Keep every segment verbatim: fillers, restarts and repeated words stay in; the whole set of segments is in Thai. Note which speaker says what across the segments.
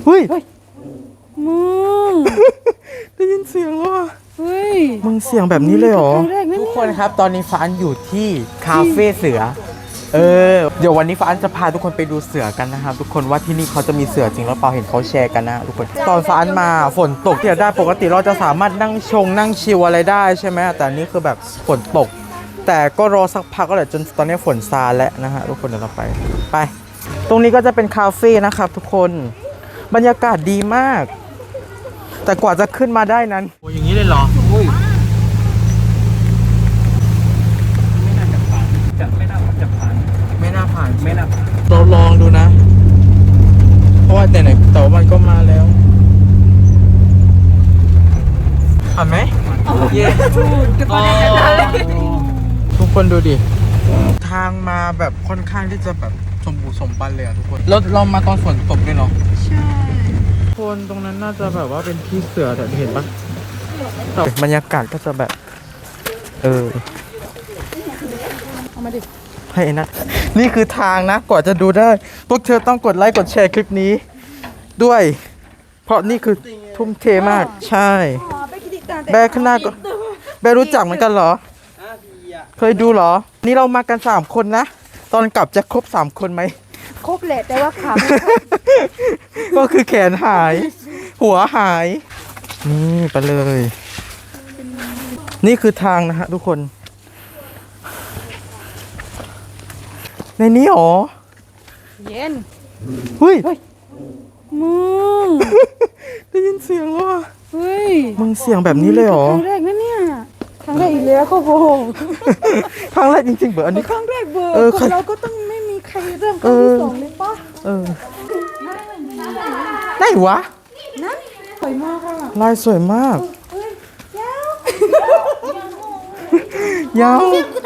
Speaker 1: ฮ้ย
Speaker 2: มึง
Speaker 1: ได้ยินเสียงแล้วอ่ะ
Speaker 2: เฮ้ย
Speaker 1: มึงเสียงแบบนี้เลยเหรอ
Speaker 2: ครั้งแรกนะ
Speaker 1: ทุกคนครับตอนนี้ฟ้าอันอยู่ที่คาเฟ่เสือเออเดี๋ยววันนี้ฟ้าอันจะพาทุกคนไปดูเสือกันนะครับทุกคนว่าที่นี่เขาจะมีเสือจริงหรือเปล่าเห็นเขาแชร์กันนะทุกคนตอนฟ้าอันมาฝนตกที่ได้ปกติเราจะสามารถนั่งชงนั่งชิลอะไรได้ใช่ไหมแต่อันนี้คือแบบฝนตก แต่ก็รอสักพักก็แหละจนตอนนี้ฝนซาแล้วนะฮะทุกคนเดี๋ยวเราไปไป ตรงนี้ก็จะเป็นคาเฟ่นะครับทุกคนบรรยากาศดีมาก แต่กว่าจะขึ้นมาได้นั้นโอ้ยอย่างนี้เลยเหรอ
Speaker 3: จะไม่น่าจะผ่าน
Speaker 1: ไม่น่าผ่าน
Speaker 3: ไม่น่าผ่าน
Speaker 1: เราลองดูนะ เพราะว่าแต่ไหนแต่ว่ามันก็มาแล้วผ่านไหมเย้ทุกคนดูดิทางมาแบบค่อนข้างที่จะแบบสมบูรณ์สมบันเลยอะทุกคนแล้วเรามาตอนฝนตกด้วยเนาะใช่คนตรงนั้นน่าจะแบบว่าเป็นที่เสือแต่เห็นปะบรรยากาศก็จะแบบเออ
Speaker 2: เอามาดิ
Speaker 1: ให้นัดนี่คือทางนะกว่าจะดูได้พวกเธอต้องกดไลค์กดแชร์คลิปนี้ด้วย เพราะนี่คือทุ่มเทมากใช่แบร์ข้างหน้าก็แบร์รู้จักเหมือนกันเหรอเคยดูเหรอนี่เรามากันสามคนนะตอนกลับจะครบสามคนไหม
Speaker 2: ครบแหละแต่ว่าขาไม่ครบ
Speaker 1: ก็คือแขนหาย หัวหาย นี่ไปเลย นี่คือทางนะฮะทุกคน ในนี้หรอ
Speaker 2: เย็น
Speaker 1: เฮ้ย
Speaker 2: มึง
Speaker 1: ได้ยินเสียงแล้วอ่ะ
Speaker 2: เฮ้ย
Speaker 1: มึงเสียงแบบนี้เลยเหรอ
Speaker 2: ครั้งแรกนะเนี่ยครั้งแรกอีกแล้วเขาโบง
Speaker 1: ครั้งแรกจริงๆเบอร์อันนี้
Speaker 2: ครั้งแรกเบอร์
Speaker 1: เออ
Speaker 2: คนเราก็ต้องไม่มีใครเริ่มครั้งที่สองเลยปะ
Speaker 1: เออไหนวะ
Speaker 2: นะสวยมากอ่ะ
Speaker 1: ลายสวยมาก
Speaker 2: เฮ้ยยาวย
Speaker 1: าว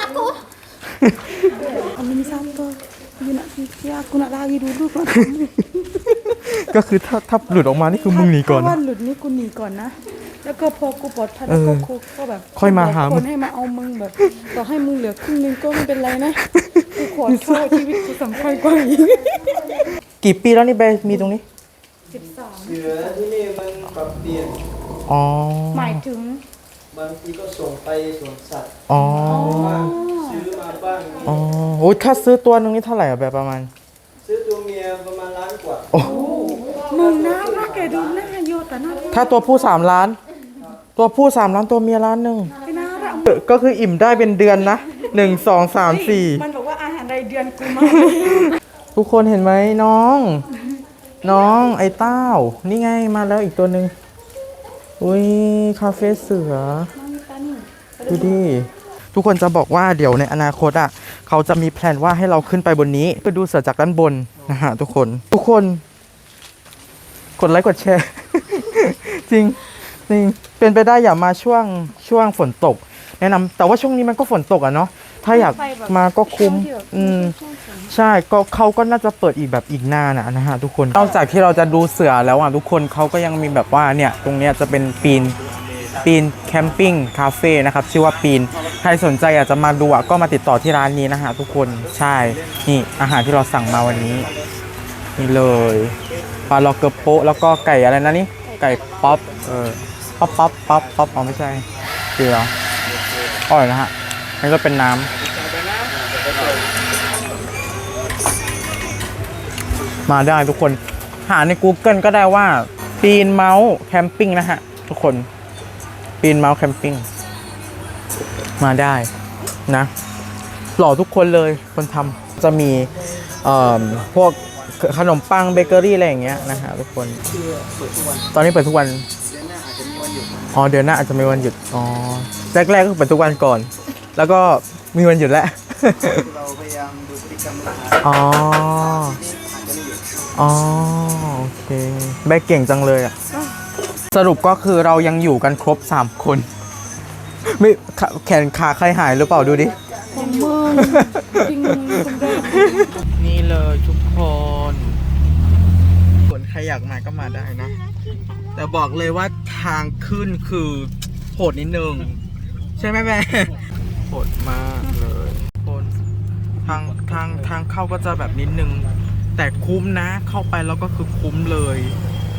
Speaker 2: Kami sampai dia nak fikir aku nak lari dulu kan
Speaker 1: ก็คือถ้าถ้าหลุดออกมานี่คือมึงหนีก่อน
Speaker 2: ถ้า
Speaker 1: นะ
Speaker 2: ว่าหลุดนี่กูหนีก่อนนะแล้วก็พอกูปลอดภัย
Speaker 1: เอ
Speaker 2: แล้ว
Speaker 1: อ
Speaker 2: ก็ก็แบบ
Speaker 1: ค่อยมาหา
Speaker 2: คนให้มาเอามึงแบบต่อให้มึงเหลือครึ่งนึงก็ไม่เป็นไรนะกูขอโทษชีวิตกูสำคัญกว่าอีก
Speaker 1: กี่ปีแล้วนี่เบย์มีตรงนี้
Speaker 2: สิบสาม
Speaker 4: เสือที่นี่มันปรับเปลี่ยน
Speaker 1: อ๋อ
Speaker 2: หมายถึง
Speaker 4: บางทีก็ส่งไปสวนสัตว์
Speaker 1: อ๋อ
Speaker 4: บ้างซื้อมาบ้าง
Speaker 1: อ๋อโอ้ยถ้าซื้อตัวนึงนี่เท่าไหร่อะแบบประมาณ
Speaker 4: ซื้อตัวเมียประมาณล้านกว่า
Speaker 1: โอ้
Speaker 2: มึงน่ารักแกดูหน้าโยแต่น่ารัก
Speaker 1: ถ้าตัวผู้สามล้าน ตัวผู้สามล้านตัวเมียล้านหนึ่ง
Speaker 2: ไม่น่ารัก
Speaker 1: เออก็คืออิ่มได้เป็นเดือนนะหนึ่งสองสามสี่
Speaker 2: มันบอกว่าอาหารรายเดือนกูมา
Speaker 1: ทุกคนเห็นไหมน้อง น้องไอ้เต้า นี่ไงมาแล้วอีกตัวหนึ่งอุ้ยคาเฟ่เสือ ดูดิ ทุกคนจะบอกว่าเดี๋ยวในอนาคตอ่ะเขาจะมีแพลนว่าให้เราขึ้นไปบนนี้ไปดูเสือจากด้านบนนะฮะทุกคน ทุกคน กดไลค์กดแชร์ จริงจริงเป็นไปได้อย่ามาช่วงช่วงฝนตก แนะนำแต่ว่าช่วงนี้มันก็ฝนตกอ่ะเนาะถ้าอยากมาก็คุ้มอืมใช่ก็เขาก็น่าจะเปิดอีกแบบอีกนานนะนะฮะทุกคนนอกจากที่เราจะดูเสือแล้วอ่ะทุกคนเขาก็ยังมีแบบว่าเนี่ยตรงเนี้ยจะเป็นปีนปีนแคมปิ้งคาเฟ่นะครับชื่อว่าปีนใครสนใจอยากจะมาดูอ่ะก็มาติดต่อที่ร้านนี้นะฮะทุกคนใช่นี่อาหารที่เราสั่งมาวันนี้นี่เลยปลาล็อกเกอร์โปะแล้วก็ไก่อะไรนะนี่ไก่ป๊อปเออป๊อปป๊อปป๊อปป๊อปอ๋อไม่ใช่เกลืออร่อยนะฮะนี่ก็เป็นน้ำมาได้ทุกคนหาใน Google ก็ได้ว่าปีนเมาส์แคมปิ้งนะฮะทุกคนปีนเมาส์แคมปิ้งมาได้นะหล่อทุกคนเลยคนทำจะมีเอ่อพวกขนมปังเบเกอรี่อะไรอย่างเงี้ยนะฮะทุกคนตอนนี้เปิดทุกวันอ๋อเดือนหน้าอาจจะมีวันหยุดอ๋อแรกๆก็เปิดทุกวันก่อนแล้วก็มีวันหยุดแล้ว
Speaker 4: เราพยายามดูพฤติกรรมลูกค้า
Speaker 1: อ๋อ
Speaker 4: อาจจะไม่เห็น
Speaker 1: อ๋อโอเคแบกเก่งจังเลยอ่ะสรุปก็คือเรายังอยู่กันครบสามคนไม่ขาแขนขาใครหายหรือเปล่าดูดิ
Speaker 2: ของมึงจริงมึงคนแรก
Speaker 1: นี่เลยทุกคนคนใครอยากมาก็มาได้นะ แต่บอกเลยว่าทางขึ้นคือโหดนิดนึง ใช่ไหมแม่โหดมากเลยคนทางทางทางเข้าก็จะแบบนิดนึง แต่คุ้มนะเข้าไปแล้วก็คือคุ้มเลย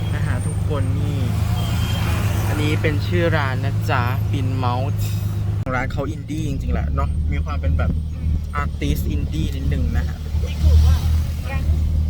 Speaker 1: นะฮะทุกคนนี่ อันนี้เป็นชื่อร้านนะจ๊ะปินเมาส์ร้านเขาอินดี้จริงๆแหละเนาะมีความเป็นแบบอาร์ติสอินดี้นิดนึงนะฮะ